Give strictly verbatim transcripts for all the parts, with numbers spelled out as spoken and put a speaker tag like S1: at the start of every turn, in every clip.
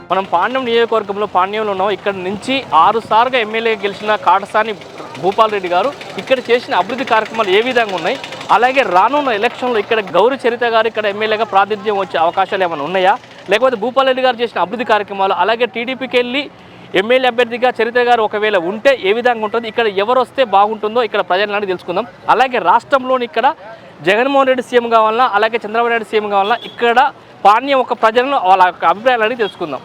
S1: మనం పాణ్యం నియోజకవర్గంలో పాణ్యంలో ఉన్నాం. ఇక్కడ నుంచి ఆరు సార్లుగా ఎమ్మెల్యే గెలిచిన కాటసాని భూపాల్ రెడ్డి గారు ఇక్కడ చేసిన అభివృద్ధి కార్యక్రమాలు ఏ విధంగా ఉన్నాయి, అలాగే రానున్న ఎలక్షన్లో ఇక్కడ గౌరీ చరిత గారు ఇక్కడ ఎమ్మెల్యేగా ప్రాతినిధ్యం వచ్చే అవకాశాలు ఏమైనా ఉన్నాయా, లేకపోతే భూపాల్ రెడ్డి గారు చేసిన అభివృద్ధి కార్యక్రమాలు, అలాగే టీడీపీకి వెళ్ళి ఎమ్మెల్యే అభ్యర్థిగా చరిత గారు ఒకవేళ ఉంటే ఏ విధంగా ఉంటుంది, ఇక్కడ ఎవరు వస్తే బాగుంటుందో ఇక్కడ ప్రజలను తెలుసుకుందాం. అలాగే రాష్ట్రంలోని ఇక్కడ జగన్మోహన్ రెడ్డి సీఎం కావాలన్నా, అలాగే చంద్రబాబు నాయుడు సీఎం కావాలన్నా ఇక్కడ పాణ్యం ఒక ప్రజలను వాళ్ళ యొక్క అభిప్రాయాలని తెలుసుకుందాం.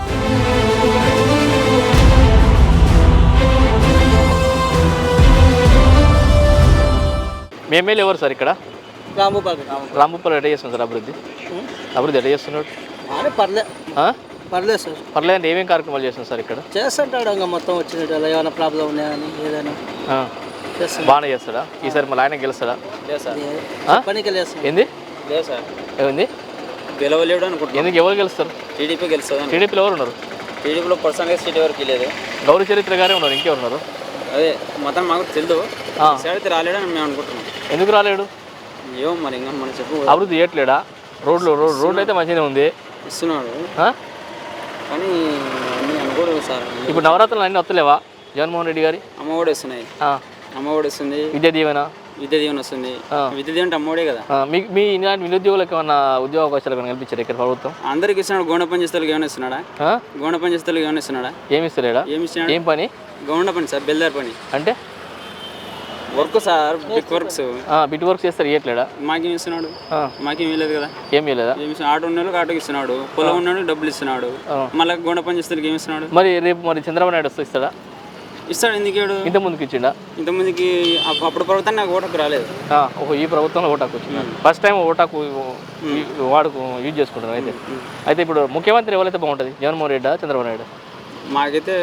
S1: మీ ఎమ్మెల్యే ఎవరు సార్ ఇక్కడ?
S2: రాంభూపాల్
S1: రాంభూపాల్ ఎట్లా చేస్తున్నాడు సార్ అభివృద్ధి? అభివృద్ధి ఎట్లా చేస్తున్నాడు?
S2: పర్లేదు పర్లేదు సార్.
S1: పర్లేదు అంటే ఏమేమి కార్యక్రమాలు చేస్తున్నాడు సార్ ఇక్కడ?
S2: చేస్తుంటాడు ఇంకా మొత్తం వచ్చినట్టు ఏమైనా ప్రాబ్లం ఉన్నాయని ఏదైనా
S1: బాగానే చేస్తాడా? ఈసారి మళ్ళీ ఆయన గెలుస్తాడా?
S2: పనికి
S1: ఏంది
S3: లేదు సార్,
S1: ఏముంది
S3: గెలవలేడు అనుకుంటున్నాను.
S1: ఎందుకు ఎవరు గెలుస్తారు?
S3: టీడీపీ గెలుస్తుంది.
S1: టీడీపీలో ఎవరు ఉన్నారు?
S3: టీడీపీలో పర్సనల్గా సీట్ ఎవరికి లేదు.
S1: గౌరీ చరిత్ర గారే ఉన్నారు, ఇంకెవరు ఉన్నారు?
S3: అదే మొత్తం మాకు తెలియదు. అయితే రాలేడని మేము అనుకుంటున్నాం.
S1: ఎందుకు రాలేడు?
S3: ఏమో మరి ఇంకా మనం చెప్పు.
S1: అభివృద్ధి చేయట్లేడా? రోడ్లు రోడ్లు అయితే మంచిగానే ఉంది,
S3: ఇస్తున్నాడు కానీ అనుకోలేదు సార్.
S1: ఇప్పుడు నవరాత్రులు అన్నీ వస్తలేవా జగన్మోహన్ రెడ్డి గారి?
S3: అమ్మఒడి వస్తున్నాయి, అమ్మఒడి వస్తుంది,
S1: విద్యా దీవెన
S3: విద్యా దీవెన వస్తుంది. విద్యా దీవెన అమ్మఒడే కదా.
S1: మీ మీ ఇలాంటి నిరుద్యోగులకు ఏమన్నా ఉద్యోగ అవకాశాలు ఏమైనా కల్పించారు ఇక్కడ ప్రభుత్వం?
S3: అందరికి ఇస్తున్నాడు. గౌండ పని చేస్తలకు ఏమైనా ఇస్తున్నాడా? గౌండ పని చేస్తలకు ఏమైనా ఇస్తున్నాడా?
S1: ఏమి ఇస్తలేడా?
S3: ఏమి ఇస్తున్నాడు?
S1: ఏం పని?
S3: గౌండ పని సార్, బెల్దార్ పని
S1: అంటే
S3: work sir, bit works.
S1: Bit work చేస్తారు, ఇవ్వట్లేడా?
S3: మాకేం ఇస్తున్నాడు? మాకేం ఇవ్వలేదు కదా.
S1: ఏం ఇవ్వలేదా?
S3: ఆటో ఉన్న వాళ్ళకి ఆటోకి ఇస్తున్నాడు, పొలం ఉన్నాడు డబ్బులు ఇస్తున్నాడు, మళ్ళీ గొండ పని చేస్తే ఏమి ఇస్తున్నాడు?
S1: మరి రేపు మరి చంద్రబాబు నాయుడు వస్తే ఇస్తాడా?
S3: ఇస్తాడు. ఎందుకు
S1: ఇంత ముందుకు ఇచ్చిండా?
S3: ఇంత ముందుకి అప్పుడు ప్రభుత్వం నాకు ఓటాకు రాలేదు.
S1: ఒక ఈ ప్రభుత్వంలో ఓటాకు వచ్చింది. ఫస్ట్ టైం ఓటాకు వాడుకు యూజ్ చేసుకుంటారు. అయితే అయితే ఇప్పుడు ముఖ్యమంత్రి ఎవరైతే బాగుంటుంది, జగన్మోహన్ రెడ్డా చంద్రబాబు నాయుడు?
S3: మాకైతే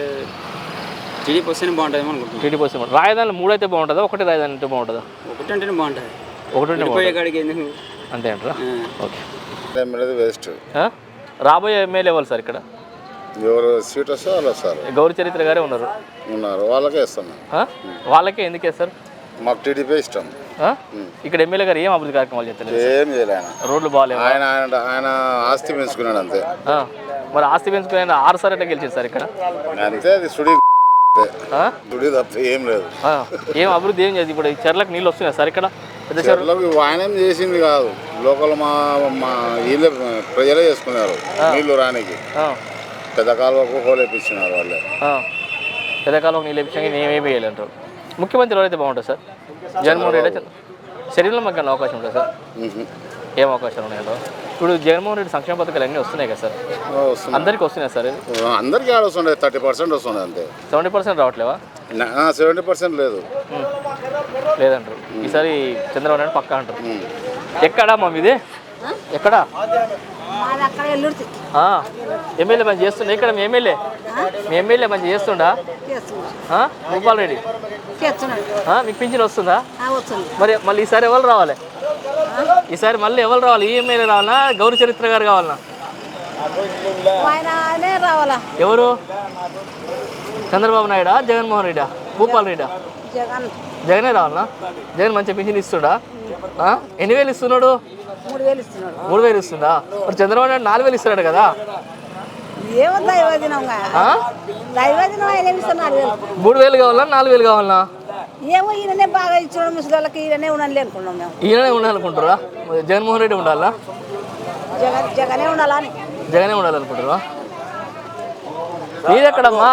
S3: టీడీపీ వస్తేనే బాగుంటుంది అనుకుంటున్నాం.
S1: టీడీపీ వస్తే రాజధాని మూడు అయితే బాగుంటుందా, ఒకటి రాజధాని అంటే బాగుంటుందా?
S3: ఒకటి అంటేనే బాగుంటుంది.
S1: ఒకటి
S3: పోయే కాడికి ఎందుకు
S1: అంతే అంటారా? ఓకే.
S4: వేస్ట్.
S1: రాబోయే ఎమ్మెల్యే ఎవరు సార్ ఇక్కడ?
S4: ఎవరు సీట్ వస్తే వాళ్ళు వస్తారు.
S1: గౌరీ చరిత్ర గారే ఉన్నారు
S4: ఉన్నారు వాళ్ళకే ఇస్తాం.
S1: వాళ్ళకే ఎందుకు వేస్తారు?
S4: మాకు టీడీపీ ఇష్టం.
S1: ఇక్కడ ఎమ్మెల్యే గారు ఏం అభివృద్ధి కార్యక్రమాలు చేస్తారు?
S4: ఏం చేయలే ఆయన.
S1: రోడ్లు బాగాలేవు.
S4: ఆయన ఆయన ఆయన ఆస్తి పెంచుకున్నాడు అంతే.
S1: మరి ఆస్తి పెంచుకుని ఆరు సార్ ఎట్లా గెలిచారు సార్ ఇక్కడ?
S4: అంతే, అది సుడి సుడి తప్ప ఏం లేదు.
S1: ఏం అభివృద్ధి ఏం చేసి ఇప్పుడు చెర్లకు నీళ్ళు వస్తున్నాయి సార్ ఇక్కడ? పెద్ద చెర్లకు
S4: ఆయన ఏం చేసింది కాదు, లోకల్ మా మా వీళ్ళే ప్రజలే చేసుకున్నారు నీళ్లు రానికి. పెద్ద కాలువకు హోలేపించినారు వాళ్ళే.
S1: పెద్ద కాలువకు నీళ్ళు వేపించాక నేనేమి వేయాలంటారు. ముఖ్యమంత్రి ఎవరైతే బాగుంటుంది సార్? జగన్మోహన్ రెడ్డి శరీరంలో మాకు అవకాశం ఉంటుంది సార్? ఏం అవకాశాలు ఉన్నాయంటారు? ఇప్పుడు జగన్మోహన్ రెడ్డి సంక్షేమ పథకాలు అన్నీ వస్తున్నాయి కదా సార్? అందరికీ వస్తున్నాయి సార్?
S4: అందరికీ ఆడ వస్తుండే, థర్టీ పర్సెంట్ వస్తుంది అంతే.
S1: సెవెంటీ పర్సెంట్ రావట్లేవా?
S4: సెవెంటీ పర్సెంట్ లేదు
S1: లేదంటారు. ఈసారి చంద్రబాబు నాయుడు పక్కా అంటారు. ఎక్కడా మా మీది? ఎక్కడా? ఎమ్మెల్యే మంచి చేస్తుండే ఇక్కడ? మీ ఎమ్మెల్యే మీ ఎమ్మెల్యే మంచి చేస్తుండా భూపాల్ రెడ్డి? మీకు పింఛన్ వస్తుందా? మరి మళ్ళీ ఈసారి ఎవరు రావాలి? ఈసారి మళ్ళీ ఎవరు రావాలి? ఈ ఎమ్మెల్యే రావాలా, గౌరీ చరిత్ర గారు కావాలన్నా? ఎవరు? చంద్రబాబు నాయుడా, జగన్మోహన్ రెడ్డా, భూపాల్ రెడ్డా? జగనే రావాలన్నా? జగన్ మంచి పింఛన్ ఇస్తుడా? ఎన్ని వేలు ఇస్తున్నాడు? మూడు వేలు ఇస్తుందా? మరి చంద్రబాబు నాయుడు నాలుగు వేలు ఇస్తున్నాడు కదా? మూడు వేలు కావాలా, నాలుగు వేలు కావాలన్నా?
S5: ఏమో ఈయననే బాగా ఇచ్చిన ముసలికి ఈయననే ఉండాలి అనుకున్నాం మేము.
S1: ఈయననే ఉండాలనుకుంటారా? జగన్మోహన్ రెడ్డి ఉండాలా?
S5: జగన్ జగనే ఉండాలని
S1: జగనే ఉండాలనుకుంటారా? మీరెక్కడమ్మా?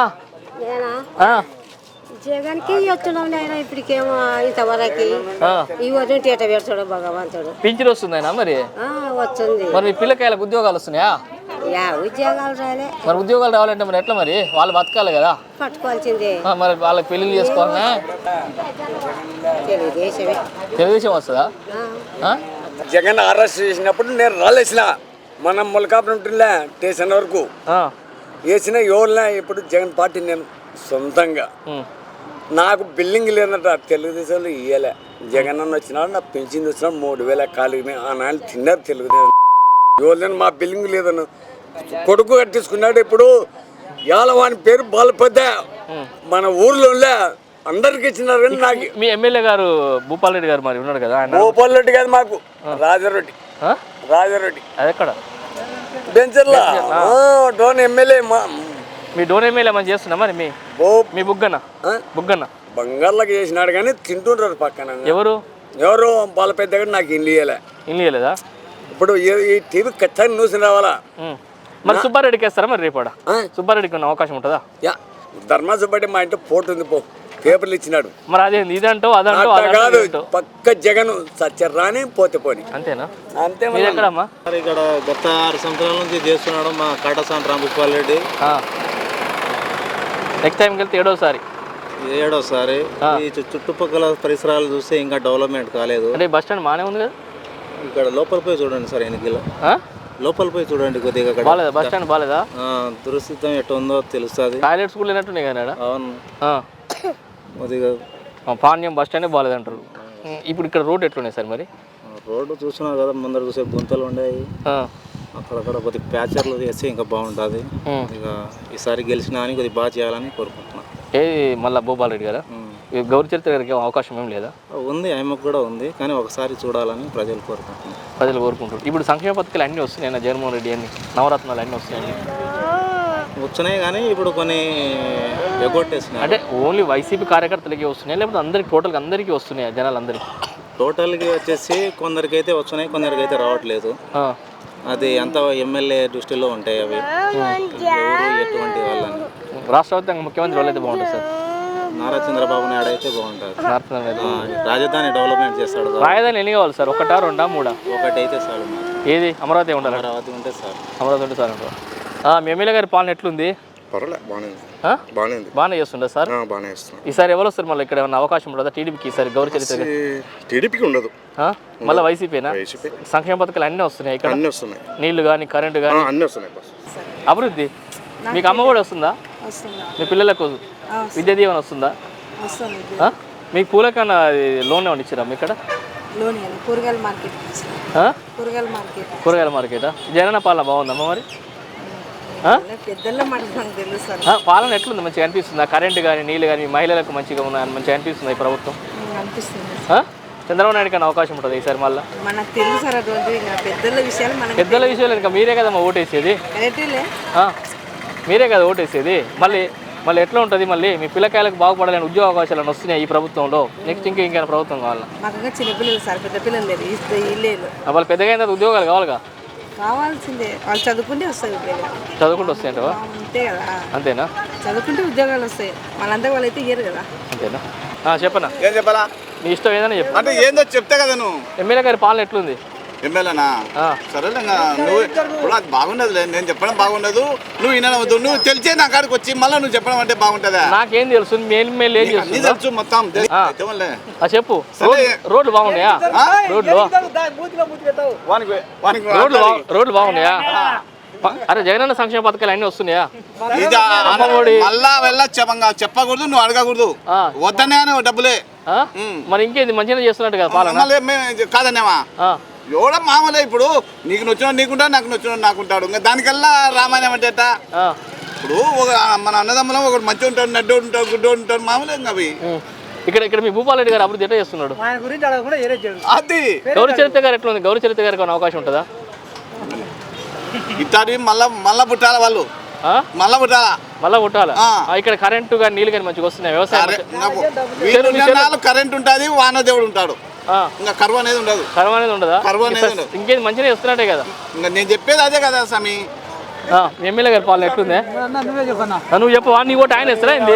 S6: జగన్కి వచ్చున్నాం నేను ఇప్పటికేమో ఇంతవరకు ఈ వరకు ఎట పెడతాడు భగవంతుడు.
S1: పింఛన్ వస్తుందైనా మరి?
S6: వస్తుంది.
S1: మరి మీ పిల్లకాయలకు ఉద్యోగాలు వస్తున్నాయా?
S6: యా ఉద్యోగాలు రాలే.
S1: మరి ఉద్యోగాలు రావాలంటే మరి ఎట్లా? మరి వాళ్ళు బతకాలి కదా,
S6: పట్టుకోవాల్సిందే.
S1: మరి వాళ్ళకి పెళ్లిళ్ళు చేసుకోవాలన్నా?
S6: తెలుగుదేశమే.
S1: తెలుగుదేశం వస్తుందా?
S7: జగన్ అరెస్ట్ చేసినప్పుడు నేను రాలేసిన మనం ములకాపురం ఉంటుండే స్టేషన్ వరకు వేసిన ఎవరినా ఇప్పుడు జగన్ పార్టీ నేను సొంతంగా నాకు బిల్డింగ్ లేదట తెలుగుదేశంలో ఇయ్యలే. జగన్ అన్న వచ్చినాడు, నా పెన్షన్ వచ్చినాడు మూడు వేల ఖాళీ ఆ నాలుగు తిన్నారు తెలుగుదేశం. ఎవరు మా బిల్డింగ్ లేదన్న కొడుకు కట్టించుకున్నాడు. ఇప్పుడు యాలవాని పేరు బాలపెద్ద మన ఊర్లో అందరికి ఇచ్చినారు. కానీ నాకు
S1: మీ ఎమ్మెల్యే గారు భూపాల్ రెడ్డి గారు మరి ఉన్నాడు కదా?
S7: భూపాల్ రెడ్డి కాదు, మాకు రాజారెడ్డి. రాజారెడ్డి
S1: అది ఎక్కడ?
S7: బెంచర్లా డోన్ ఎమ్మెల్యే మా
S1: మీ డోన్ ఎమ్మెల్యే మంచి చేస్తున్నా మరి మీ
S7: ఓ
S1: మీ బుగ్గన్న బుగ్గన్న
S7: బంగారులకు చేసినాడు కానీ తింటుంటారు పక్కన
S1: ఎవరు
S7: ఎవరు వాళ్ళ పెద్దగా నాకు ఇల్లు ఇయ్యలే
S1: ఇల్లు ఇవ్వలేదా
S7: ఇప్పుడు ఈ- ఈ టీవీ ఖచ్చితంగా న్యూస్ రావాలా
S1: ఉమ్. మరి సుబ్బారెడ్డికి వేస్తారా మరి రేపాడ సుబ్బారెడ్డికి ఉన్న అవకాశం ఉంటుందా
S7: యా ధర్మాసపడి మా ఇంట్లో ఫోటో ఉంది పో పేపర్లు ఇచ్చినాడు
S1: మరి అదే ఇదంటో అదంటో
S7: అట్లా కాదు
S1: అదంటో
S7: పక్క జగన్ సత్య రాని పోతే పోని
S1: అంతేనా
S7: అంతే
S1: మీరు ఎక్కడమ్మా
S8: మరి ఇక్కడ గత ఆరు సంవత్సరాల నుంచి చేస్తున్నాడు మా కాటసాని రాంభూపాల్ రెడ్డి
S1: నెక్స్ట్ టైంకి వెళ్తే ఏడోసారి
S8: ఏడోసారి ఈ చు- చుట్టుపక్కల పరిసరాలు చూస్తే ఇంకా డెవలప్మెంట్ కాలేదు.
S1: అంటే బస్ స్టాండ్ బాగానే ఉంది కదా
S8: ఇక్కడ లోపల పోయి చూడండి సార్ ఎన్నికలు
S1: ఆ?
S8: లోపల పోయి చూడండి కొద్దిగా అక్కడ
S1: బాగాలేదా బస్ స్టాండ్ బాగాలేదా
S8: ఆ, దురస్థితం ఎట్లా ఉందో తెలుస్తుంది.
S1: టాయిలెట్స్ కూడా లేనట్టున్నాయి కదా ఈడ.
S8: అవును
S1: ఆ.
S8: కొద్దిగా
S1: ఆ, పాణ్యం బస్ స్టాండే బాగాలేదు అంటారు. ఉమ్, ఇప్పుడు ఇక్కడ రోడ్ ఎట్లున్నాయి సార్ మరి
S8: రోడ్డు చూస్తున్నారు కదా ముందర చూసే గుంతలు ఉన్నాయి.
S1: ఆ.
S8: అక్కడక్కడ కొద్దిగా ప్యాచర్లు చేస్తే ఇంకా బాగుంటుంది.
S1: ఉమ్.
S8: ఇక ఈసారి గెలిచినా అని కొద్దిగా బాగా చేయాలని కోరుకుంటున్నాను.
S1: ఏది మళ్ళీ భూపాల్ రెడ్డి గారా
S8: ఉమ్.
S1: ఈ గౌరీ చరిత్ర గారికి ఏం అవకాశం ఏం లేదా
S8: ఉంది ఆయమ్మకు కూడా ఉంది కానీ ఒకసారి చూడాలని ప్రజలు కోరుకుంటున్నారు.
S1: ప్రజలు కోరుకుంటారు. ఇప్పుడు సంక్షేమ పథకాలు అన్నీ వస్తున్నాయి జగన్మోహన్ రెడ్డి అన్ని నవరత్నాలు అన్నీ వస్తున్నాయి
S8: వచ్చినాయి కానీ ఇప్పుడు కొన్ని ఎగ్గొట్టేసినాయి.
S1: అంటే ఓన్లీ వైసీపీ కార్యకర్తలకి వస్తున్నాయి లేకపోతే అందరికి టోటల్గా అందరికీ వస్తున్నాయి జనాలందరికీ
S8: టోటల్గా వచ్చేసి కొందరికి అయితే వస్తున్నాయి కొందరికి అయితే రావట్లేదు.
S1: ఆ.
S8: అది అంత ఎమ్మెల్యే దృష్టిలో ఉంటాయి అవి ఎవరు ఎటువంటి వాళ్ళని.
S1: రాష్ట్ర వ్యాప్తంగా ముఖ్యమంత్రి వాళ్ళైతే బాగుంటుంది సార్
S8: నారా చంద్రబాబు నాయుడు అయితే బాగుంటుంది.
S1: నార్త్ అయితే
S8: ఆ, రాజధాని డెవలప్మెంట్ చేస్తాడు కదా.
S1: రాజధాని ఎన్ని కావాలి సార్ ఒకటా రెండా మూడా
S8: ఒకటి అయితే చాలు మాకు.
S1: ఏది అమరావతి ఉండాలి
S8: అమరావతి ఉంటే సార్
S1: అమరావతి ఉంటే సార్ అంటారు. మీ ఎమ్మెల్యే గారి పాలన ఎట్లుంది
S4: పర్వాలేదు బాగానే ఉంది
S1: ఆ?
S4: బాగానే ఉంది
S1: బాగానే చేస్తుండే సార్
S4: ఆ, బాగానే ఇస్తున్నాం
S1: ఈసారి ఎవరు వస్తారు మళ్ళీ ఇక్కడ ఏమన్నా అవకాశం ఉంటుందా టీడీపీకి ఈసారి గౌరీ చరిత్ర
S4: టీడీపీకి ఉండదు
S1: మళ్ళీ వైసీపీనా
S4: వైసీపీ
S1: సంక్షేమ పథకాలు అన్నీ వస్తున్నాయి ఇక్కడ
S4: అన్నీ వస్తున్నాయి
S1: నీళ్లు కానీ కరెంటు
S4: ఆ,
S1: కానీ
S4: అన్నీ వస్తున్నాయి బస్
S1: అభివృద్ధి మీకు అమ్మ కూడా వస్తుందా మీ పిల్లలకు విద్యా దీవెన వస్తుందా ఆ? మీకు పూలకన్నా లోన్ ఏమైనా ఇచ్చారా మీ ఇక్కడ
S5: లోన్ కూరగాయల మార్కెట్
S1: ఆ?
S5: కూరగాయల మార్కెట్
S1: కూరగాయల మార్కెటా జగనన్న పాలన బాగుందమ్మా మరి ఆ?
S5: పెద్దల మాట మనకు తెలుసు
S1: ఆ, పాలన ఎట్లుంది మంచిగా అనిపిస్తుందా కరెంటు కానీ నీళ్ళు కానీ మహిళలకు మంచిగా ఉన్నాయని మంచిగా అనిపిస్తుంది ఈ ప్రభుత్వం
S5: అనిపిస్తుంది
S1: ఆ? చంద్రబాబు నాయుడు కన్నా అవకాశం ఉంటుంది ఈసారి మళ్ళీ
S5: మనకు తెలుసు సార్ అటువంటి ఇంకా పెద్దల విషయాలు మనకు
S1: పెద్దల విషయాలు ఇంకా మీరే కదమ్మా ఓటేసేది
S5: కరెక్టేలే
S1: ఆ? మీరే కదా ఓటేసేది మళ్ళీ మళ్ళీ ఎట్లా ఉంటుంది మళ్ళీ మీ పిల్లకాయలకు బాగుపడాలని ఉద్యోగ అవకాశాలు వస్తున్నాయి ఈ ప్రభుత్వంలో నెక్స్ట్ ఇంకా ఇంకేమైనా ప్రభుత్వం కావాలా
S5: మాకు ఇంకా చిన్నపిల్లలు సార్ పెద్ద పిల్లలు లేదు ఇస్తే ఇల్లేదు
S1: ఆ, వాళ్ళు పెద్దగా అయిన తర్వాత ఉద్యోగాలు కావాలిగా
S5: కావాల్సిందే వాళ్ళు చదువుకుంటే వస్తాయి ఉద్యోగాలు
S1: చదువుకుంటూ వస్తాయంటవా
S5: అంతే కదా
S1: అంతేనా
S5: చదువుకుంటే ఉద్యోగాలు వస్తాయి మనంతా వాళ్ళు అయితే ఇయ్యరు కదా
S1: అంతేనా ఆ, చెప్పనా
S9: ఏం చెప్పాలా
S1: మీ ఇష్టం ఏదైనా చెప్పు
S9: అంటే ఏందో చెప్తే కదా నువ్వు
S1: ఎమ్మెల్యే గారి పాలన ఎట్లుంది
S9: ఎమ్మెల్యేనా
S1: ఆ.
S9: సరేలే ఇంకా నువ్వు ఇప్పుడు అది బాగుండదులే నేను చెప్పడం బాగుండదు నువ్వు వినవద్దు నువ్వు తెలిసే నా కాడికి వచ్చి మళ్ళీ నువ్వు చెప్పడం అంటే బాగుంటుందా
S1: నాకేం తెలుసు మీ ఎమ్మెల్యే ఏం
S9: అన్ని
S1: చేస్తుందా
S9: తెలుసు మొత్తం
S1: ఆ.
S9: తెవలే.
S1: ఆ, చెప్పు రోడ్- రోడ్లు బాగున్నాయా రోడ్లు
S9: వానికి వానికి
S1: రోడ్లు బా- రోడ్లు బాగున్నాయా ప- అరే జగనన్న సంక్షేమ పథకాలు అన్నీ వస్తున్నాయా
S9: ఇది
S1: అమ్మఒడి.
S9: మళ్ళా వెళ్ళ చెప్పంగా చెప్పకూడదు నువ్వు అడగకూడదు
S1: ఆ.
S9: వద్దనే అని డబ్బులే
S1: ఆ? మరి ఇంకేది మంచిగా చేస్తున్నట్టు కదా పాలన
S9: మళ్ళీ మేము కాదనేవా
S1: ఆ.
S9: ఎవడ మామూలే ఇప్పుడు నీకు నచ్చిన నీకుంటాడు నాకు నచ్చిన నాకుంటాడు ఇంకా దానికల్లా రామాయణం అంటే ఎట్టా?
S1: ఆ.
S9: ఇప్పుడు ఒక మన అన్నదమ్ములం ఒకటి మంచి ఉంటాడు నడ్డు ఉంటాడు గుడ్డు ఉంటాడు మామూలే ఇంకా అవి
S1: ఉం. ఇక్కడ ఇక్కడ మీ భూపాల్ రెడ్డి గారు అభివృద్ధి ఎట్లా చేస్తున్నాడు
S2: ఆయన గురించి అడగకుండా ఏరే చేయడు
S9: అది
S1: గౌరీ చరిత్ర గారు ఎట్లా ఉంది గౌరీ చరిత్ర గారికి ఏమైనా అవకాశం ఉంటుందా
S9: ఇట్లాంటి మళ్ళా మళ్ళా పుట్టాల వాళ్ళు
S1: ఆ?
S9: మళ్ళా పుట్టాలా
S1: మళ్ళా కొట్టాలా
S9: ఆ.
S1: ఆ, ఇక్కడ కరెంటు కానీ నీళ్ళు కానీ మంచిగా వస్తున్నాయి వ్యవసాయం
S9: కరె-
S1: మంచి-
S9: నాకు వీళ్ళు నాలుగు కరెంట్ ఉంటుంది వానదేవుడు ఉంటాడు
S1: ఆ.
S9: ఇంకా కరువు అనేది ఉండదు
S1: కరువు అనేది ఉండదా
S9: కరువు అనేది
S1: ఇక్కడ
S9: ఉండదు.
S1: ఇంకేది మంచిగా చేస్తున్నట్టే కదా
S9: ఇంకా నేను చెప్పేది అదే కదా స్వామి
S1: ఆ, మీ ఎమ్మెల్యే గారి పాలన ఎట్లుంది
S2: నువ్వే చెప్పన్నా
S1: ఆ, నువ్వు చెప్పు నీ ఓటు ఆయన ఇస్తారా ఏంది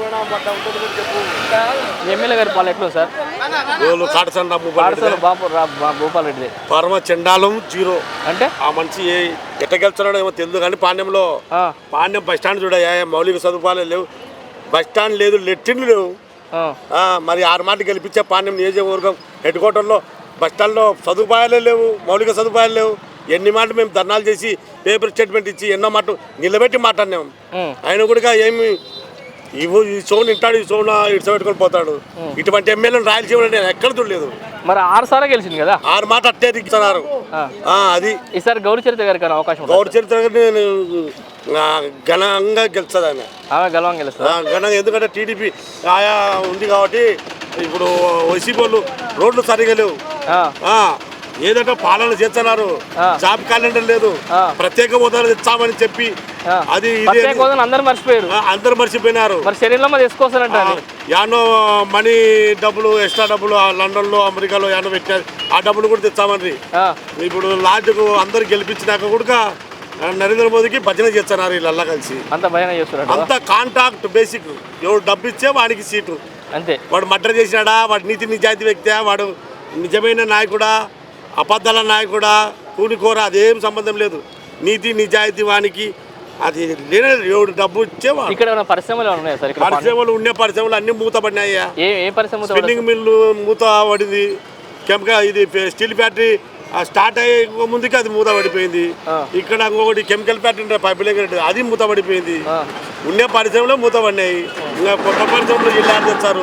S1: మీ ఎమ్మెల్యే గారి పాలన ఎట్లుంది సార్
S10: కాటసండ
S1: పాఠశాల బాపు రా- బా- భూపాల్ రెడ్డి
S10: పరమ చండాలం జీరో
S1: అంటే
S10: ఆ మనిషి ఏ- ఎట్ట గెలుస్తున్నాడో ఏమో తెలియదు కానీ పాండ్యంలో
S1: ఆ,
S10: పాండ్యం బస్ స్టాండ్ చూడయా మౌలిక సదుపాయాలు లేవు బస్ స్టాండ్ లేదు లెట్టిన్లు లేవు
S1: ఆ,
S10: ఆ, మరి ఆరు మాట గెలిపించే పాండ్యం నియోజకవర్గం హెడ్ క్వార్టర్లో బస్ స్టాండ్లో సదుపాయాలే లేవు మౌలిక సదుపాయాలు లేవు ఎన్ని మాట మేము ధర్నాలు చేసి పేపర్ స్టేట్మెంట్ ఇచ్చి ఎన్నో మాట నిలబెట్టి మాట్లాడినాం
S1: ఉం.
S10: ఆయన కూడా ఏమి ఇవ్వు ఈ సోన్ ఇంటాడు ఈ సోన్ ఇటు పెట్టుకొని పోతాడు ఇటువంటి ఎమ్మెల్యేలు రాయలసీమలో నేను ఎక్కడ చూడలేదు
S1: మరి ఆరు సార్లు గెలిచింది కదా
S10: ఆరు మాట అట్టే దిగుతున్నారు
S1: ఆ.
S10: అది
S1: ఈసారి గౌరీ చరిత్ర గారికి ఏమైనా అవకాశం ఉంటుందా?
S10: గౌరవ చరిత్ర నేను ఆ, ఘనంగా గెలుస్తుంది ఆయన
S1: ఆమె గెలవం గెలుస్తా
S10: ఆ, ఘనంగా ఎందుకంటే టీడీపీ ఆయా ఉంది కాబట్టి ఇప్పుడు వైసీపీ వాళ్ళు రోడ్లు సరిగా లేవు ఆ, ఏదంటే పాలన చేస్తున్నారు, జాబ్ క్యాలెండర్ లేదు, ప్రత్యేక హోదాలు తెచ్చామని చెప్పి అది
S1: అందరు మర్చిపోయారు
S10: అందరు మర్చిపోయినారు.
S1: మరి శరీరంలో మరి వేసుకోవాలంట
S10: యానో మనీ డబ్బులు ఎక్స్ట్రా డబ్బులు లండన్ లో అమెరికాలో యానో పెట్టారు, ఆ డబ్బులు కూడా తెచ్చామని. ఇప్పుడు లాడ్జ్కు అందరు గెలిపించినాక కూడా నరేంద్ర మోదీకి భజన చేస్తున్నారు వీళ్ళల్లా కలిసి.
S1: అంత భజన చేస్తున్నారు,
S10: అంత కాంటాక్ట్ బేసిక్. ఎవరు డబ్బు ఇచ్చే వాడికి సీటు
S1: అంతే.
S10: వాడు మర్డర్ చేసినాడా, వాడు నీతి నిజాయితీ వ్యక్తి, వాడు నిజమైన నాయకుడా, అబద్ధాల నాయకుడా, కూలికోర, అదేం సంబంధం లేదు. నీతి నిజాయితీ వానికి అది లేనే ఎవడు డబ్బు ఇచ్చేవాడు.
S1: ఇక్కడ పరిశ్రమలు ఉన్నాయా సార్?
S10: పరిశ్రమలు ఉండే పరిశ్రమలు అన్ని మూతపడినాయ్యా.
S1: ఏ పరిశ్రమ?
S10: స్పిన్నింగ్ మిల్లు మూత పడింది, కెమికల్ ఇది స్టీల్ ఫ్యాక్టరీ స్టార్ట్ అయ్యే ముందుకి అది మూత పడిపోయింది. ఇక్కడ ఇంకొకటి కెమికల్ ఫ్యాక్టరీ పైప్ లైన్ అది మూత పడిపోయింది. ఉండే పరిశ్రమలో మూత పడినాయి. ఇంకా కొత్త పరిశ్రమలు జిల్లా తెచ్చారు.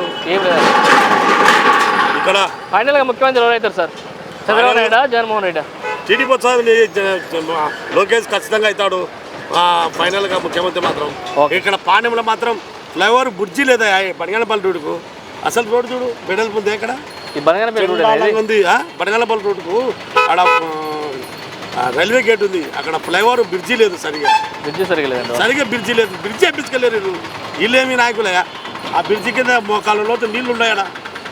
S10: ఇక్కడ
S1: ఫైనల్ గా ముఖ్యమంత్రి ఎవరైతారు సార్? చంద్రబాబు నాయుడు, జగన్మోహన్ రెడ్డి?
S10: టీడీపీ వచ్చారు, లోకేష్ ఖచ్చితంగా అవుతాడు ఫైనల్ గా ముఖ్యమంత్రి మాత్రం. ఇక్కడ పాండ్యంలో మాత్రం ఫ్లైఓవర్ బ్రిడ్జి లేదా బనగానపల్లి రోడ్డుకు. అసలు రోడ్డు చూడు బెడల్ ఉంది ఎక్కడ ఉంది. బనగానపల్లి రోడ్డుకు అక్కడ రైల్వే గేట్ ఉంది, అక్కడ ఫ్లైఓవర్ బ్రిడ్జి లేదు, సరిగా
S1: బ్రిడ్జి సరిగా లేదు
S10: సరిగా బ్రిడ్జి లేదు. బ్రిడ్జి వేపించుకెళ్ళారు వీళ్ళేమి నాయకులయ్యా. ఆ బ్రిడ్జి కింద మోకాళ్ళలో నీళ్ళు ఉన్నాయడా.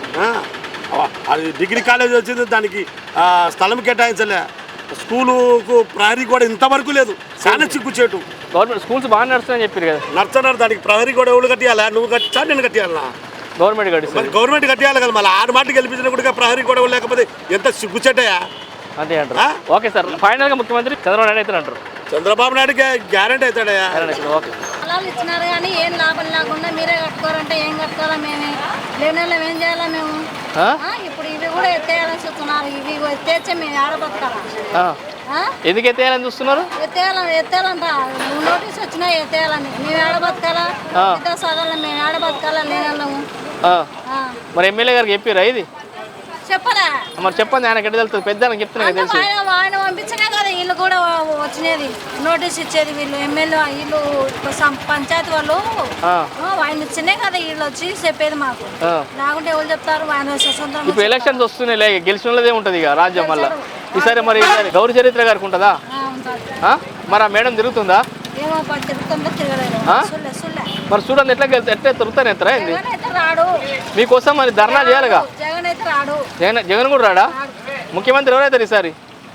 S10: అది డిగ్రీ కాలేజ్ వచ్చింది, దానికి స్థలం కేటాయించలే. స్కూలుకు ప్రహరీ కూడా ఇంతవరకు లేదు, చాలా చిక్కుచేటు.
S1: గవర్నమెంట్ స్కూల్స్ బాగా నడుస్తున్నాయని చెప్పారు కదా.
S10: నడుస్తున్నారు, దానికి ప్రహరీ కూడా ఎవరు కట్టియాలా? నువ్వు కట్టా నేను కట్టియాలా?
S1: గవర్నమెంట్ కట్టి
S10: గవర్నమెంట్ కట్టియాలి కదా. మళ్ళీ ఆరు మాటకి గెలిపించిన కూడా ప్రహరీ కూడా లేకపోతే ఎంత సిగ్గుచేటయా.
S1: అంతే అంటారు. ఓకే సార్, ఫైనల్ గా ముఖ్యమంత్రి చంద్రబాబు నాయుడు అయితే అంటారు.
S10: చంద్రబాబు నాయుడుకి గ్యారెంటీ అవుతాడయా.
S1: ఓకే.
S5: పొలాలు ఇచ్చినారు కానీ ఏం లాభం లేకుండా మీరే కట్టుకోరంటే ఏం కట్టుకోవాలా? మేమే లేని వాళ్ళం ఏం చేయాలా? మేము ఇప్పుడు ఇవి కూడా ఎత్తేయాలని చూస్తున్నారు. ఇవి ఎత్తేచ్చే మేము ఆడబతకాలా?
S1: ఎందుకు ఎత్తేయాలని చూస్తున్నారు?
S5: ఎత్తేయాలని ఎత్తేయాలంట నోటీస్ వచ్చినా ఎత్తేయాలని. మేము ఆడబతకాలా? ఇద్దరు సదల్లో మేము ఆడబతకాలా? లేని వాళ్ళము.
S1: మరి ఎమ్మెల్యే గారికి చెప్పారా ఇది?
S5: చెప్పరా
S1: మరి చెప్పండి, ఆయన ఎక్కడ తెలుస్తుంది? పెద్ద చెప్తున్నా తెలుసు.
S5: ఆయన పంపించినా కదా వీళ్ళు కూడా వచ్చినది నోటీస్ ఇచ్చేది. వీళ్ళు ఎమ్మెల్యే వీళ్ళు పంచాయతీ వాళ్ళు ఆయన ఇచ్చినే కదా వీళ్ళు వచ్చి చెప్పేది మాకు. లేకుంటే ఎవరు చెప్తారు? ఆయన స్వతంత్రం.
S1: ఇప్పుడు ఎలక్షన్స్ వస్తున్నాయి, గెలిచిన వాళ్ళదే ఉంటుంది ఇక రాజ్యం. వల్ల ఈసారి మరి గౌరీ చరిత్ర గారికి ఉంటుందా? మరి ఆ మేడం తిరుగుతుందా?
S5: ఏమో తిరుగుతుందో తిరగలేదు.
S1: మరి చూడండి ఎట్లా ఎట్లా తిరుగుతాను ఎత్తరా ఏంది?
S5: రాడు
S1: మీకోసం మరి ధర్నా చేయాలిగా.
S5: జగన్ అయితే రాడు.
S1: జగన్ జగన్ కూడా రాడా? ముఖ్యమంత్రి ఎవరైతారు ఈసారి?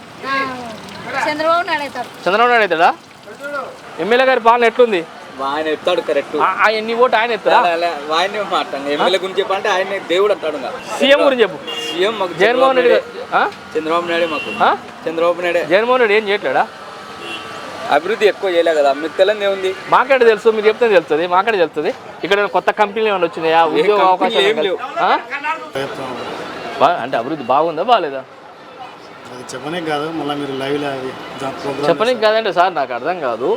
S5: చంద్రబాబు నాయుడు అవుతాడు.
S1: చంద్రబాబు నాయుడు అవుతాడా? ఎమ్మెల్యే గారి పాలన ఎట్లుంది?
S3: ఆయన చెప్తాడు కరెక్ట్.
S1: నీ ఓటు ఆయన ఎత్తారా?
S3: ఆయన మాట్లాడు ఎమ్మెల్యే గురించి చెప్పంటే ఆయన దేవుడు అంటాడు.
S1: సీఎం గురించి చెప్పు.
S3: సీఎం మాకు
S1: జగన్మోహన్ రెడ్డి.
S3: చంద్రబాబు నాయుడు మాకు చంద్రబాబు నాయుడు.
S1: జగన్మోహన్ రెడ్డి ఏం చేయట్లేడా?
S3: అభివృద్ధి ఎక్కువ చేయలే కదా. మీకు తెలియదు ఏముంది?
S1: మాకేట తెలుసు, మీరు చెప్తే తెలుస్తుంది. మాకేట తెలుస్తుంది. ఇక్కడ కొత్త కంపెనీలు ఏమైనా వచ్చినాయా? ఉద్యోగ అవకాశాలు ఏం లేవు అంటే అభివృద్ధి బాగుందా బాగాలేదా?
S11: చెప్పనే కాదు, మళ్ళీ మీరు లైవ్
S1: చెప్పనీకి కాదండి సార్, నాకు అర్థం కాదు.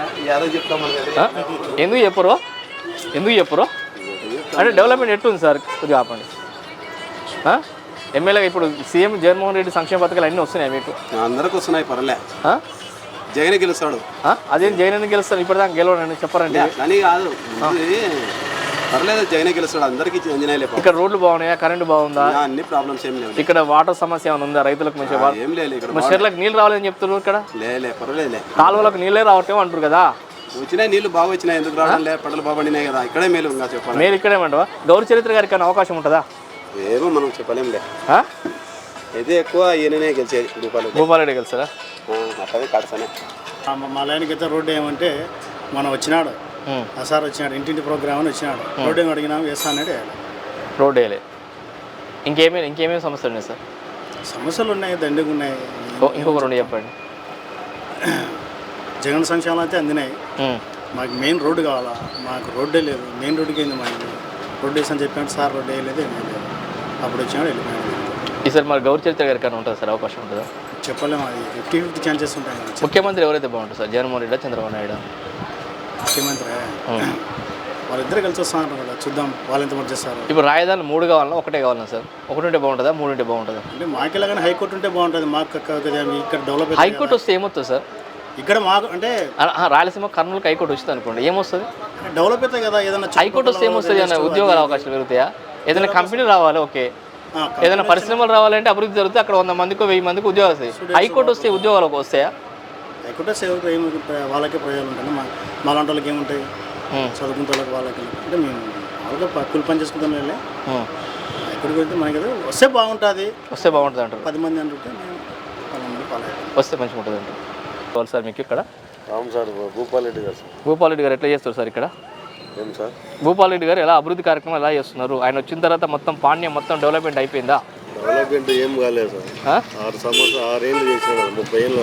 S1: ఎందుకు చెప్పరు? ఎందుకు చెప్పరు అంటే డెవలప్మెంట్ ఎట్టుంది సార్? కొద్దిగా ఆపండి. ఎమ్మెల్యే ఇప్పుడు సీఎం జగన్మోహన్ రెడ్డి సంక్షేమ పథకాలు అన్నీ వస్తున్నాయి మీకు?
S9: అందరికి వస్తున్నాయి, పర్లే. జగన్ గెలుస్తాడు.
S1: అదేం జగన్ ఎందుకు గెలుస్తాడు? ఇప్పటిదాకా గెలవడండి చెప్పారండి.
S9: అని కాదు, పర్లేదు, జగన్ గెలుస్తాడు. అందరికీ
S1: ఇక్కడ రోడ్లు బాగున్నాయా? కరెంట్ బాగుందా?
S9: అన్ని ప్రాబ్లమ్స్ ఏం లేవు.
S1: ఇక్కడ వాటర్ సమస్య ఏమైనా ఉందా? రైతులకు మంచిగా
S9: ఏం లేదు. ఇక్కడ
S1: చెర్లకు నీళ్ళు రావాలని చెప్తున్నారు. ఇక్కడ
S9: లే పర్వాలేదు,
S1: కాలువలకు నీళ్ళే రావటం అంటారు కదా.
S9: వచ్చినాయి నీళ్ళు బాగా వచ్చినాయి, ఎందుకు రావడం లే? పంటలు బాగా పండినాయి కదా, ఇక్కడే మేలు. ఇంకా చెప్పాలి,
S1: మీరు ఇక్కడేమంటావా? గౌరీ చరిత్ర గారికి ఏమైనా అవకాశం ఉంటుందా?
S9: ఏమో మనం చెప్పలేంలే. అయితే ఎక్కువ ఈయననే గెలిచేది. భూపాల్
S1: భూపాలరెడ్డి గెలుస్తారా?
S9: అట్లనే కాడసనే.
S11: మా లైన్కి అయితే రోడ్డు ఏమంటే మనం వచ్చినాడు, ఆ సార్ వచ్చినాడు, ఇంటింటి ప్రోగ్రామ్ అని వచ్చినాడు. రోడ్డు ఏమి అడిగినాము వేస్తా అన్నాడు.
S1: రోడ్డు వేయలే. ఇంకేమీ ఇంకేమేమి సమస్యలు ఉన్నాయి సార్?
S11: సమస్యలు ఉన్నాయి, దండిగా ఉన్నాయి.
S1: ఇంకొక రెండు చెప్పండి.
S11: జగన్ సంక్షేమాలు అయితే అందినాయి. మాకు మెయిన్ రోడ్డు కావాలా, మాకు రోడ్డే లేదు. మెయిన్ రోడ్డుకి అయింది మాకు. రోడ్డు వేసని చెప్పాడు సార్, రోడ్డు వేయలేదు, ఏమీ లేదు. అప్పుడు వచ్చినాడు, వెళ్ళిపోయాడు.
S1: ఈసారి మరి గౌరీ చరిత్ర గారికి ఉంటుంది సార్? అవకాశం ఉంటుందా?
S11: చెప్పలేము, అది ఫిఫ్టీ ఫిఫ్టీ ఛాన్సెస్ ఉంటాయి.
S1: ముఖ్యమంత్రి ఎవరైతే బాగుంటుంది సార్? జగన్మోహన్ రెడ్డి, చంద్రబాబు నాయుడు?
S11: ముఖ్యమంత్రి వాళ్ళిద్దరు కలిసి వస్తున్నారు కదా, చూద్దాం వాళ్ళు ఎంతమంది చేస్తారు.
S1: ఇప్పుడు రాజధాని మూడు కావాలన్నా ఒకటే కావాలన్నా సార్? ఒకటి ఉంటే బాగుంటుందా, మూడు ఉంటే బాగుంటుందా?
S11: అంటే మాకెలాగానే హైకోర్టు ఉంటే బాగుంటుంది. మాకు ఇక్కడ డెవలప్
S1: హైకోర్టు వస్తే ఏమవుతుంది సార్?
S11: ఇక్కడ మాకు అంటే
S1: రాయలసీమ కర్నూలుకి హైకోర్టు వచ్చింది అనుకోండి, ఏమొస్తుంది?
S11: డెవలప్ అవుతాయి కదా. ఏదైనా
S1: హైకోర్టు వస్తే ఏమొస్తుంది? ఏమైనా ఉద్యోగాల అవకాశాలు పెరుగుతాయా? ఏదైనా కంపెనీ రావాలి, ఓకే. ఏదైనా పరిశ్రమలు రావాలంటే అభివృద్ధి జరిగితే అక్కడ వంద మందికి వెయ్యి మందికి ఉద్యోగాలు వస్తాయి. హైకోర్టు వస్తే ఉద్యోగాలకు వస్తాయా?
S11: హైకోర్టు సేవకు ఏమి వాళ్ళకే ప్రయోజనం ఉంటుంది. మా మా లాంటి వాళ్ళకి ఏముంటాయి, చదువుకున్న వాళ్ళకి వాళ్ళకి అంటే మేము వాళ్ళతో కూలి పని చేసుకుంటాం వెళ్ళి హైకోర్టుకి వెళ్తే మనకి ఏదో వస్తే బాగుంటుంది.
S1: వస్తే బాగుంటుంది అంటారు.
S11: పది మంది అంటుంటే మేము పది మంది ఫాలో
S1: వస్తే మంచిగా ఉంటుంది అంటారు. సార్ మీకు ఇక్కడ
S10: అవును సార్, భూపాల్ రెడ్డి గారు సార్.
S1: భూపాల్ రెడ్డి గారు ఎట్లా చేస్తారు సార్ ఇక్కడ?
S10: ఏం సార్
S1: భూపాల్ రెడ్డి గారు ఎలా అభివృద్ధి కార్యక్రమం ఎలా చేస్తున్నారు? ఆయన వచ్చిన తర్వాత మొత్తం పాణ్యం మొత్తం డెవలప్మెంట్ అయిపోయిందా?
S10: డెవలప్మెంట్ ఏం కాలేదు సార్. ఆరు సంవత్సరాలు ఆరేళ్ళు చేసినాడు, ముప్పై ఏళ్ళు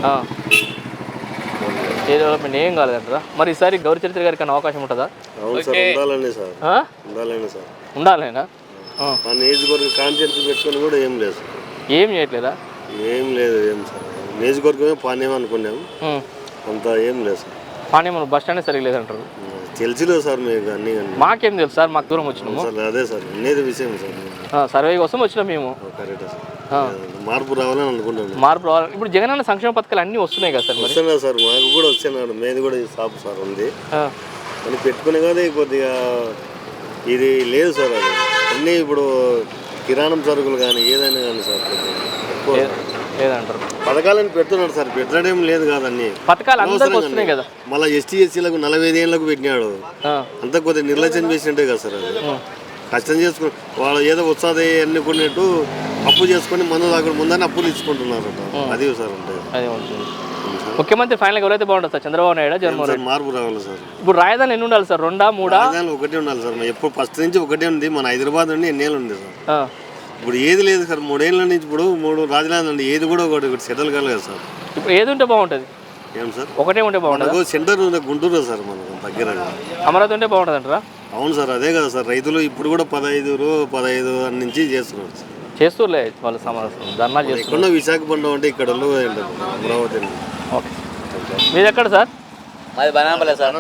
S1: ఏ డెవలప్మెంట్ ఏం కాలేదంటారా? మరి ఈసారి గౌరీ చరిత్ర గారికి అన్న అవకాశం ఉంటుందా?
S10: అవును సార్, ఉండాలండి సార్, ఉండాలండి సార్,
S1: ఉండాలేనా?
S10: ఆ నియోజకవర్గం కాన్ఫిడెన్స్ పెట్టుకొని కూడా ఏం లేదు సార్.
S1: ఏం చేయట్లేదా?
S10: ఏం లేదు ఏం సార్. నియోజకవర్గమే పాణ్యం అనుకున్నాము, అంత ఏం లేదు సార్.
S1: పాణ్యం బస్ స్టాండ్ సరిగ్గా లేదంటారు.
S10: తెలిసిలేదు సార్ మీకు అన్ని.
S1: మాకేం తెలుసు సార్, మాకు దూరం వచ్చినాము.
S10: అదే సార్ అనేది విషయం సార్.
S1: సర్వే కోసం వచ్చినాం మేము.
S10: Correct sir. మార్పు రావాలని అనుకుంటున్నాను.
S1: మార్పు రావాలి. ఇప్పుడు జగనన్న సంక్షేమ పథకాలు అన్నీ వస్తున్నాయి కదా సార్?
S10: వస్తున్నాయి సార్, మాకు కూడా వస్తున్నాడు. మేది కూడా షాప్ సార్ ఉంది అని పెట్టుకునే కదా. కొద్దిగా ఇది లేదు సార్, అది అన్నీ ఇప్పుడు కిరాణం సరుకులు కానీ ఏదైనా కానీ సార్ ఎక్కువ
S1: లేదంటారు.
S10: పథకాలను పెడుతున్నాడు సార్, పెట్టడం లేదు కాదన్నీ
S1: పథకాలు అందరికీ వస్తున్నాయి కదా.
S10: మళ్ళీ ఎస్టీ ఎస్సీలకు నలభై ఐదు ఏళ్ళకు పెట్టినాడు, అంతా కొద్దిగా నిర్లక్ష్యం చేసినట్టే కదా సార్. అది కష్టం చేసుకుని వాళ్ళు ఏదో వస్తుంది అనుకున్నట్టు అప్పు చేసుకుని మందు తాగడం ముందని అప్పులు ఇచ్చుకుంటున్నారు. అది సార్ ఉంటుంది.
S1: అదే ఉంటుంది. ముఖ్యమంత్రి ఫైనల్ ఎవరైతే బాగుంటుంది సార్? చంద్రబాబు నాయుడు, జగన్మోహన్ రెడ్డి?
S10: మార్పు రావాలి సార్.
S1: ఇప్పుడు రాజధాని ఎన్ని ఉండాలి సార్? రెండా మూడా?
S10: రాజధాని ఒకటే ఉండాలి సార్. ఎప్పుడు ఫస్ట్ నుంచి ఒకటే ఉంది. మన హైదరాబాద్ నుండి ఎన్నేళ్ళు ఉంది సార్. ఇప్పుడు ఏది లేదు సార్. మూడేళ్ళ నుంచి ఇప్పుడు మూడు రాజధాని ఉంది, ఏది కూడా ఒకటి ఒకటి సెటిల్ కాలేదు సార్.
S1: ఇప్పుడు ఏది ఉంటే బాగుంటుంది?
S10: ఏం సార్
S1: ఒకటే ఉంటే బాగుంటుంది.
S10: సెంటర్ ఉంది గుంటూరు సార్, మనకు దగ్గర
S1: అమరావతి ఉంటే బాగుంటుంది అంటారా?
S10: అవును సార్, అదే కదా సార్. రైతులు ఇప్పుడు కూడా పదహైదు పదహైదు నుంచి చేస్తున్నారు సార్.
S1: చేస్తూలే వాళ్ళు సమావేశం ధర్నా చేస్తున్నారు.
S10: విశాఖపట్నం అంటే ఇక్కడ అమరావతి.
S1: ఓకే, మీది ఎక్కడ సార్?
S2: మాది బనాంపల్లి సార్.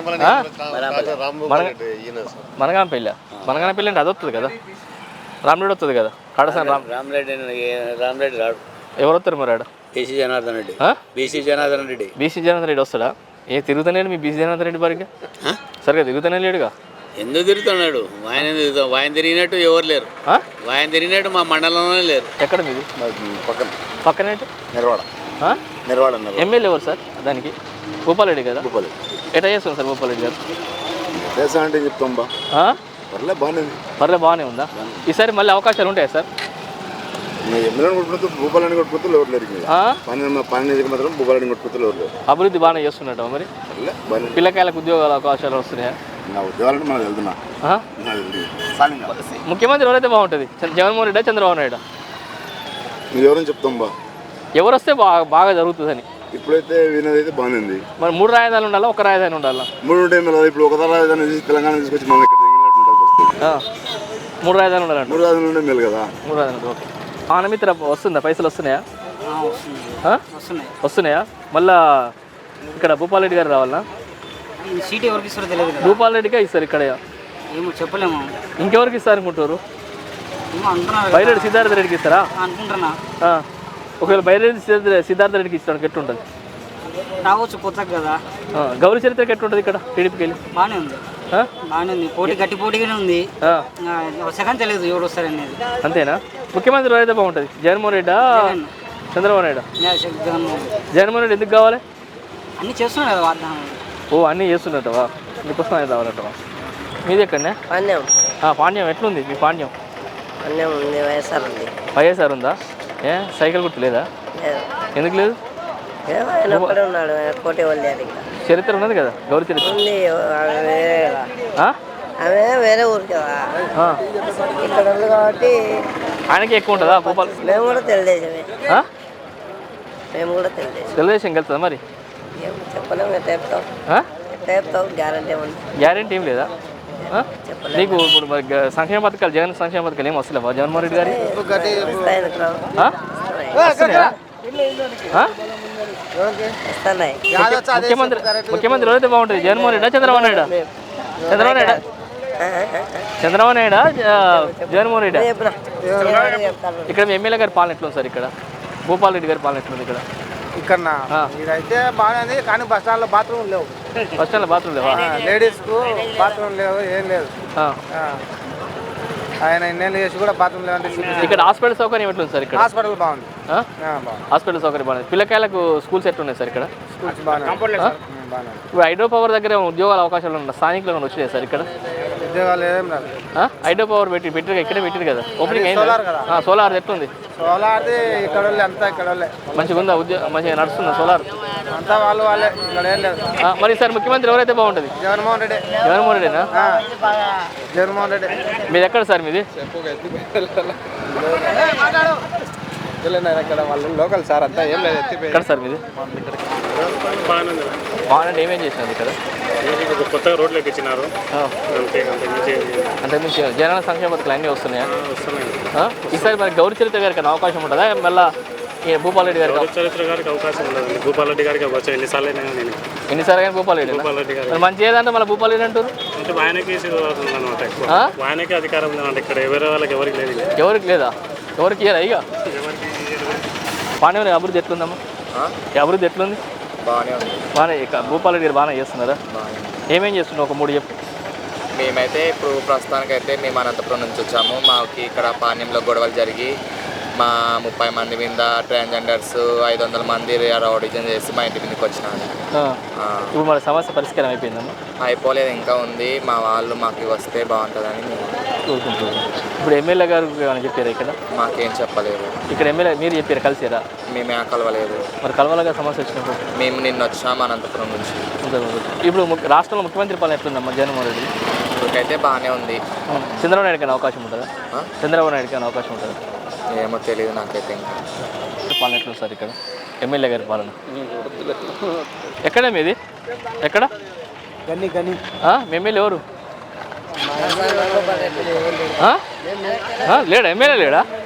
S1: మనగాంపల్లి. మనగాంపల్లి అంటే అది వస్తుంది కదా, రామరెడ్డి వస్తుంది కదా. కడసాని రామ్
S2: రామరెడ్డి రామరెడ్డి రాడు.
S1: ఎవరు వస్తారు మరి ఆడ?
S2: BC Janardhan Reddy. BC Janardhan Reddy.
S1: BC Janardhan Reddy వస్తాడా? ఏ తిరుగుతానే మీ బీసీ జనార్దన్ రెడ్డి బారిగా సరిగా తిరుగుతానే లేడుగా.
S2: ఎందుకు తిరుగుతున్నాడు? ఆయన తిరుగుతాం, ఆయన తిరిగినట్టు ఎవరు లేరు. ఆయన తిరిగినట్టు మా మండలంలోనే లేరు.
S1: ఎక్కడ మీది?
S4: పక్కన
S1: పక్కనే
S4: నిర్వాడ. నిర్వాడ
S1: ఎమ్మెల్యే ఎవరు సార్ దానికి? భూపాల్ రెడ్డి కదా.
S4: భూపాల్
S1: ఎట్లా చేస్తాం సార్ భూపాల్ రెడ్డి గారు?
S4: చేస్తా అంటే చెప్తాం బా పర్లే బాగానే
S1: పర్లే బాగానే ఉందా? ఈసారి మళ్ళీ అవకాశాలు ఉంటాయా సార్?
S4: ఎమ్మెల్యేని కొట్టుకుంటూ భూపాలని కొట్టుకుంటూ ఎవరు లేరు. పని పని మాత్రం భూపాలని కొట్టుకుంటూ ఎవరు లేరు.
S1: అభివృద్ధి బాగానే చేస్తున్నట్టు మరి. పిల్లకాయలకు ఉద్యోగాల అవకాశాలు వస్తున్నాయా?
S4: నా ఉద్యోగాలంటే మనం వెళ్తున్నా.
S1: ముఖ్యమంత్రి ఎవరైతే బాగుంటుంది? జగన్మోహన్ రెడ్డి, చంద్రబాబు నాయుడు?
S4: మీరు ఎవరైనా చెప్తాం బా
S1: ఎవరు వస్తే బాగా బాగా జరుగుతుందని.
S4: ఇప్పుడైతే వినదైతే బాగానే ఉంది.
S1: మరి మూడు రాజధానులు ఉండాలా, ఒక రాజధాని ఉండాలా?
S4: మూడు ఉంటాయి మళ్ళీ. ఇప్పుడు ఒక రాజధాని తెలంగాణ తీసుకొచ్చి మనం ఇక్కడ
S1: మూడు రాజధానులు ఉండాలంట.
S4: మూడు రాజధానులు ఉండే మేలు కదా.
S1: మూడు రాజధానులు ఓకే. ఆనమిత్ర వస్తుందా? పైసలు వస్తున్నాయా? వస్తున్నాయా? మళ్ళా ఇక్కడ భూపాల్ రెడ్డి గారు రావాలనా?
S2: సీట్ ఎవరికి ఇస్తారో తెలియదు.
S1: భూపాల్ రెడ్డిగా ఇస్తారు ఇక్కడ?
S2: ఏమో చెప్పలేము.
S1: ఇంకెవరికి ఇస్తారు అనుకుంటారు? బైరెడ్డి సిద్ధార్థ రెడ్డికి ఇస్తారా
S2: అనుకుంటున్నా.
S1: ఒకవేళ బైరెడ్డి సిద్ధార్థ రెడ్డికి ఇస్తాను ఎట్లుంటుంది?
S2: రావచ్చు కొత్తగా కదా.
S1: గౌరీ చరిత్రకి ఎట్లుంటుంది ఇక్కడ టీడీపీకి వెళ్ళి?
S2: బాగానే ఉంది, బాగానే ఉంది. పోటీ గట్టి పోటీగానే ఉంది. సెకండ్ తెలియదు ఎవరు వస్తారనేది.
S1: అంతేనా? ముఖ్యమంత్రి అయితే బాగుంటుంది? జగన్మోహన్ రెడ్డా, చంద్రబాబు నాయుడు? జగన్మోహన్ రెడ్డి ఎందుకు కావాలి?
S2: అన్నీ చేస్తున్నాడు కదా వాగ్దానం.
S1: ఓ అన్నీ చేస్తున్నట్టవా? మీకోసం అయితే కావాలంటవా? మీది ఎక్కడనే?
S6: పాండ్యం.
S1: పాండ్యం ఎట్లుంది మీ పాండ్యం?
S6: పాండ్యం ఉంది, వైఎస్ఆర్ ఉంది.
S1: వైఎస్ఆర్ ఉందా? ఏ సైకిల్ గుర్తు లేదా? ఎందుకు లేదు?
S6: ఆయన ఒక్కడే ఉన్నాడు, కోటి వాళ్ళు.
S1: చరిత్ర ఉన్నది కదా, గౌరీ చరిత్ర
S6: ఉంది. ఆమె వేరే ఊరు కదా, ఇక్కడ ఉంది కాబట్టి
S1: ఆయనకి ఎక్కువ ఉంటుందా? భూపాల్
S6: మేము కూడా తెలుగుదేశమే. మేము కూడా తెలుగుదేశం.
S1: తెలుగుదేశం వెళ్తుందా మరి?
S6: చెప్పలేము. ఎట్లా చెప్తాం? ఎట్లా చెప్తాం? గ్యారంటీ ఉంది.
S1: గ్యారంటీ ఏం లేదా నీకు? ఇప్పుడు మరి సంక్షేమ పథకాలు, జగన్ సంక్షేమ పథకాలు ఏం వస్తలేవా జగన్మోహన్ రెడ్డి గారి? ముఖ్యమంత్రి ముఖ్యమంత్రి ఎవరైతే బాగుంటుంది? జగన్మోహన్ రెడ్డా, చంద్రబాబు నాయుడు? చంద్రబాబు నాయుడు చంద్రబాబు నాయుడు జగన్మోహన్ రెడ్డి? ఇక్కడ ఎమ్మెల్యే గారి పాలన ఎట్లుంది సార్? ఇక్కడ భూపాల్ రెడ్డి గారి పాలన ఎట్లుంది? ఇక్కడ
S12: ఇక్కడ ఇదైతే బాగానే, కానీ బస్ స్టాండ్లో బాత్రూమ్ లేవు.
S1: బస్ స్టాండ్లో బాత్రూమ్ లేవా?
S12: లేడీస్కు బాత్రూమ్ లేవు, ఏం లేదు. ఆయన ఎన్నెళ్ళు చేసి కూడా బాత్రూమ్ లేదంటే
S1: ఇక్కడ హాస్పిటల్ సౌకర్యం ఎట్లుంది సార్ ఇక్కడ?
S12: హాస్పిటల్ బాగుంది.
S1: ఆ? హాస్పిటల్ సౌకర్యం బాగుంది. పిల్లకాయలకు స్కూల్స్ ఎట్లున్నాయి సార్ ఇక్కడ?
S12: స్కూల్స్ బాగానే బాగానే
S1: ఇప్పుడు హైడ్రో పవర్ దగ్గర ఉద్యోగాల అవకాశాలు ఉన్నాయి, స్థానికులు ఏమైనా వచ్చినాయి సార్ ఇక్కడ?
S12: ఉద్యోగాలు ఏం రాదు.
S1: హైడ్రో పవర్ పెట్టి పెట్టారు ఇక్కడే పెట్టారు కదా, ఓపెనింగ్ అయింది.
S12: సోలార్ కదా.
S1: సోలార్ ఎట్లుంది?
S12: సోలార్ది ఇక్కడ వాళ్ళే అంతా ఇక్కడ వాళ్ళే
S1: మంచిగా ఉందా? ఉద్యోగం మంచిగా నడుస్తుందా సోలార్?
S12: అంతా వాళ్ళు వాళ్ళే ఇక్కడ ఏం లేదు.
S1: ఆ, మరి సార్ ముఖ్యమంత్రి ఎవరైతే బాగుంటుంది?
S12: జగన్మోహన్ రెడ్డి.
S1: జగన్మోహన్ రెడ్డినా?
S12: జగన్మోహన్ రెడ్డి.
S1: మీది ఎక్కడ సార్ మీది?
S12: ఇక్కడ వాళ్ళు లోకల్ సార్ అంతా ఏం లేదు.
S1: ఎక్కడ సార్ మీది? బాగానే ఏమేం చేసినారు ఇక్కడ?
S13: కొత్తగా రోడ్లోకి ఇచ్చినారు.
S1: అంటే మీకు జనాల సంక్షేమ పథకాలు అన్నీ వస్తున్నాయా? ఈసారి మరి గౌరీ చరిత్ర గారికి అవకాశం ఉంటుందా? మళ్ళీ భూపాల్ రెడ్డి గారికి?
S13: చరిత్ర గారికి అవకాశం ఉండదు. భూపాల్ రెడ్డి గారికి వచ్చా ఎన్నిసార్లు అయినా నేను
S1: ఎన్నిసార్లు కానీ భూపాల్ రెడ్డి
S13: భూపాల్ రెడ్డి గారు
S1: మరి మంచి ఏదంటే మళ్ళీ భూపాల్ రెడ్డి అంటారు
S13: అంటే ఆయనకి అనమాట. ఎక్కువ ఆయనకే అధికారం ఉందన్నమాట. ఇక్కడ ఎవరి వాళ్ళకి ఎవరికి లేదు.
S1: ఎవరికి లేదా? ఎవరికి ఇయ్యరా ఇక? పాండ్యం అభివృద్ధి ఎట్లుందమ్మా? అభివృద్ధి ఎట్లుంది?
S14: బాగానే ఉంది.
S1: బాగానే ఇక భూపాల్ రెడ్డి గారు బాగానే చేస్తున్నారా? ఏమేం చేస్తున్నావు ఒక మూడు చెప్పు.
S14: మేమైతే ఇప్పుడు ప్రస్తుతానికైతే మేము అనంతపురం నుంచి వచ్చాము. మాకు ఇక్కడ పాణ్యంలో గొడవలు జరిగి మా ముప్పై మంది మీద ట్రాన్స్జెండర్స్ ఐదు వందల మంది రౌడిజన్ చేసి మా ఇంటి మీదకి వచ్చినారు.
S1: ఇప్పుడు మన సమస్య పరిష్కారం అయిపోయిందమ్మా?
S14: అయిపోలేదు, ఇంకా ఉంది. మా వాళ్ళు మాకు వస్తే బాగుంటుందని మేము
S1: కోరుకుంటున్నాం. ఇప్పుడు ఎమ్మెల్యే గారు ఏమైనా చెప్పారా ఇక్కడ?
S14: మాకేం చెప్పలేదు.
S1: ఇక్కడ ఎమ్మెల్యే మీరు చెప్పారు కలిసిరా?
S14: మేమే కలవలేదు.
S1: మరి కలవలుగా సమస్య వచ్చినప్పుడు?
S14: మేము నిన్న వచ్చాము అనంతపురం నుంచి.
S1: ఇప్పుడు రాష్ట్రంలో ముఖ్యమంత్రి పాలన ఎట్లుందమ్మా జగన్మోహన్ రెడ్డి?
S14: ఇప్పటికైతే బాగానే ఉంది.
S1: చంద్రబాబు నాయుడుకి అవకాశం ఉంటుందా? చంద్రబాబు నాయుడుకి అవకాశం ఉంటుందా?
S14: ఏమో తెలియదు నాకైతే. ఇంకా
S1: పాలన ఎట్లుంది సార్ ఇక్కడ ఎమ్మెల్యే గారి పాలన? ఎక్కడ మీది? ఎక్కడ
S12: గని గని
S1: మీ ఎమ్మెల్యే ఎవరు? లేడా? ఎమ్మెల్యే లేడా?